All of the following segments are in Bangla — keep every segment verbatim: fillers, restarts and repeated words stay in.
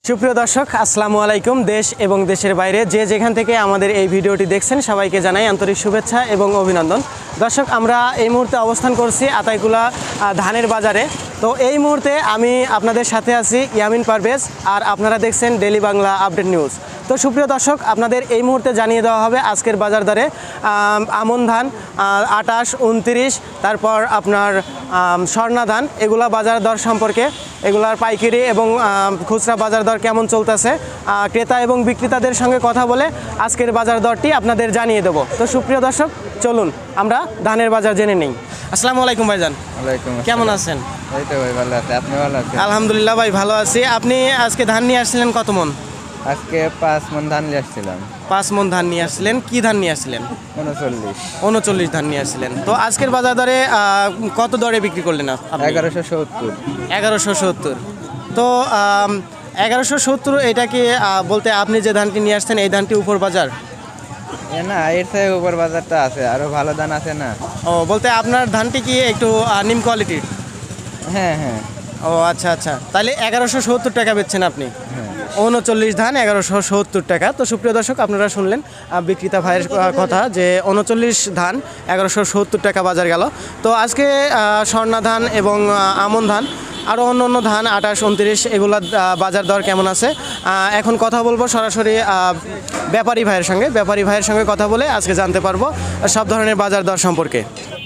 সুপ্রিয় দর্শক আসসালামু আলাইকুম। দেশ এবং দেশের বাইরে যে যেখান থেকে আমাদের এই ভিডিওটি দেখছেন সবাইকে জানাই আন্তরিক শুভেচ্ছা এবং অভিনন্দন। দর্শক, আমরা এই মুহূর্তে অবস্থান করছি আতাইকুলা ধানের বাজারে। তো এই মুহূর্তে আমি আপনাদের সাথে আছি ইয়ামিন পারভেজ, আর আপনারা দেখছেন ডেইলি বাংলা আপডেট নিউজ। তো সুপ্রিয় দর্শক, আপনাদের এই মুহূর্তে জানিয়ে দেওয়া হবে আজকের বাজার দরে আমন ধান আটাশ উনত্রিশ, তারপর আপনার স্বর্ণা ধান, এগুলা বাজার দর সম্পর্কে, এগুলার পাইকারি এবং খুচরা বাজার দর কেমন চলতেছে, ক্রেতা এবং বিক্রেতাদের সঙ্গে কথা বলে আজকের বাজার দরটি আপনাদের জানিয়ে দেবো। তো সুপ্রিয় দর্শক, চলুন আমরা ধানের বাজার জেনে নিই। আসসালামু আলাইকুম ভাইজান। ওয়ালাইকুম আসসালাম। কেমন আছেন? এই তো ভাই ভালো আছি, আপনি ভালো আছেন? আলহামদুলিল্লাহ ভাই, ভালো আছি। আপনি আজকে ধান নিয়ে আসছিলেন কত মন? আজকে পাঁচ মন ধান নিয়ে আসছিলাম। পাঁচ মন ধান নিয়ে আসছিলেন। কি ধান নিয়ে আসছিলেন? উনচল্লিশ উনচল্লিশ ধান নিয়ে আসছিলেন। তো আজকের বাজার দরে কত দরে বিক্রি করলেন আপনি? এগারোশো সত্তর। এগারোশো সত্তর। তো এগারোশো সত্তর, এটা কি বলতে আপনি যে ধানটি নিয়ে আসছেন এই ধানটি উপর বাজার? এ না, এর থেকে উপর বাজারটা আছে, আরো ভালো ধান আছে না। ও, বলতে আপনার ধানটি কি একটু নিম কোয়ালিটির? হ্যাঁ হ্যাঁ। ও আচ্ছা আচ্ছা, তাহলে এগারোশো সত্তর টাকা বেচছেন আপনি? হ্যাঁ। উনচল্লিশ ধান এগারোশো সত্তর টাকা। তো সুপ্রিয় দর্শক, আপনারা শুনলেন বিক্রেতা ভাইয়ের কথা যে উনচল্লিশ ধান এগারোশো সত্তর টাকা বাজার গেল। তো আজকে স্বর্ণা ধান এবং আমন ধান আরও অন্য অন্য ধান আটাশ উনত্রিশ, এগুলোর বাজার দর কেমন আছে এখন কথা বলবো সরাসরি ব্যাপারী ভাইয়ের সঙ্গে। ব্যাপারী ভাইয়ের সঙ্গে কথা বলে আজকে জানতে পারবো সব ধরনের বাজার দর সম্পর্কে।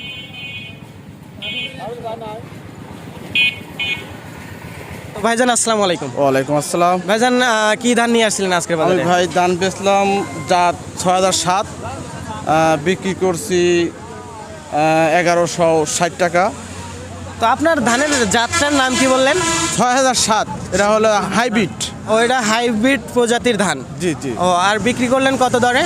ভাইজান আসসালামু আলাইকুম। ওয়ালাইকুম আসসালাম। ভাইজান, কি ধান নিয়ে আসছিলেন আজকের আমি বাজারে? ভাই ধান বেচলাম জাত ছয় হাজার সাত, বিক্রি করছি এগারোশো ষাট টাকা। তো আপনার ধানের জাতটার নাম কি বললেন? ছয় হাজার সাত, এটা হলো হাইব্রিড। ও, এটা হাইব্রিড প্রজাতির ধান। জি জি। ও, আর বিক্রি করলেন কত দরে?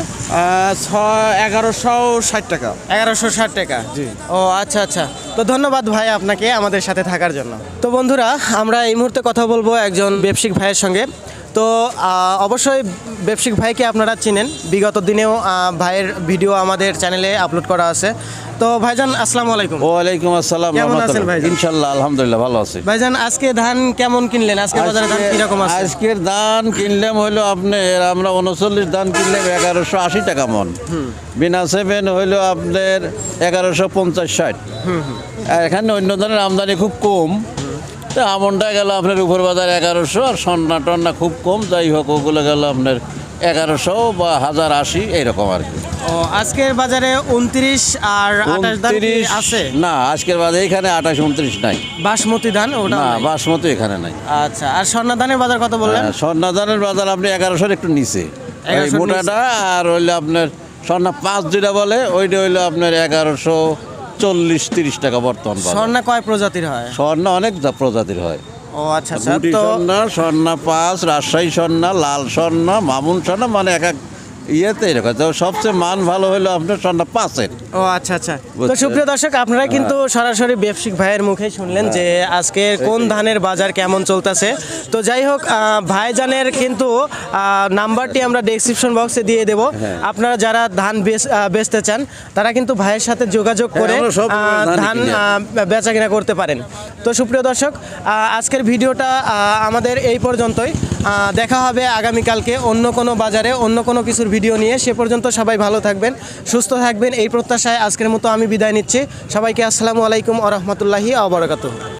ছয় এগারোশো ষাট টাকা। এগারোশো ষাট টাকা। জি। ও আচ্ছা আচ্ছা, তো ধন্যবাদ ভাই আপনাকে আমাদের সাথে থাকার জন্য। তো বন্ধুরা, আমরা এই মুহূর্তে কথা বলবো একজন ব্যবসায়িক ভাইয়ের সঙ্গে। তো অবশ্যই ব্যবসায়িক ভাইকে আপনারা চিনেন, বিগত দিনেও ভাইয়ের ভিডিও আমাদের চ্যানেলে আপলোড করা আছে। তো ভাইজান আসসালামু আলাইকুম। ওয়ালাইকুম আসসালাম। কেমন আছেন ভাই? ইনশাআল্লাহ আলহামদুলিল্লাহ ভালো আছি। ভাইজান, আজকে ধান কেমন কিনলেন? আজকে বাজারে ধান কিরকম আছে? আজকের ধান কিনলাম হইলো আপনার, আমরা উনচল্লিশ ধান কিনলাম এগারোশো আশি টাকা মন। বিনা সেভেন হইলো আপনার এগারোশো পঞ্চাশ ষাট। আর এখানে অন্য ধরনের আমদানি খুব কম। তো আমনটা গেল আপনার উপর বাজার এগারোশো, আর সন্না টন্না খুব কম, যাই হোক ওগুলো গেল আপনার এগারোশো বা হাজার আশি এইরকম আর কি। ও, আজকের বাজারে উনত্রিশ আর আঠাশ ধান কি আছে? না, আজকের বাজারে এখানে আঠাশ উনত্রিশ নাই। বাসমতি ধান ওটা না, নাই? বাসমতি এখানে নাই। আচ্ছা, আর স্বর্ণা ধানের বাজার কত বললেন? স্বর্ণা ধানের বাজার আপনি এগারোশোর একটু নিচে, এগারোশোর মোটাটা। আর হইলে আপনার স্বর্ণা পাঁচ যেটা বলে ওইটা হইলো আপনার এগারোশো চল্লিশ তিরিশ টাকা বর্তমান বাজার। স্বর্ণা কয় প্রজাতির হয়? স্বর্ণা অনেক যা প্রজাতির হয়। ও আচ্ছা আচ্ছা। গুটি তো স্বর্ণা, স্বর্ণা পাঁচ, রাজশাহী স্বর্ণা, লাল স্বর্ণা, মামুন স্বর্ণা, মানে এক এক ইয়েতে এরকম। তো সবচেয়ে মান ভালো হলো আপনার স্বর্ণা পাঁচের। ও আচ্ছা আচ্ছা। তো সুপ্রিয় দর্শক, আপনারা কিন্তু সরাসরি ব্যবসায়িক ভাইয়ের মুখেই শুনলেন যে আজকে কোন ধানের বাজার কেমন চলতেছে। তো যাই হোক, ভাইজানের কিন্তু নাম্বারটি আমরা ডেসক্রিপশন বক্সে দিয়ে দেব। আপনারা যারা ধান বেচতে চান তারা কিন্তু ভাইয়ের সাথে যোগাযোগ করে ধান বেচা কিনা করতে পারেন। তো সুপ্রিয় দর্শক, আজকের ভিডিওটা আমাদের এই পর্যন্তই। দেখা হবে আগামীকালকে অন্য কোনো বাজারে অন্য কোনো কিছুর ভিডিও নিয়ে। সে পর্যন্ত সবাই ভালো থাকবেন, সুস্থ থাকবেন, এই প্রত্যাশায় আজকের মতো আমি বিদায় নিচ্ছি। সবাইকে আসসালামু আলাইকুম ওয়া রাহমাতুল্লাহি ওয়া বারাকাতুহু।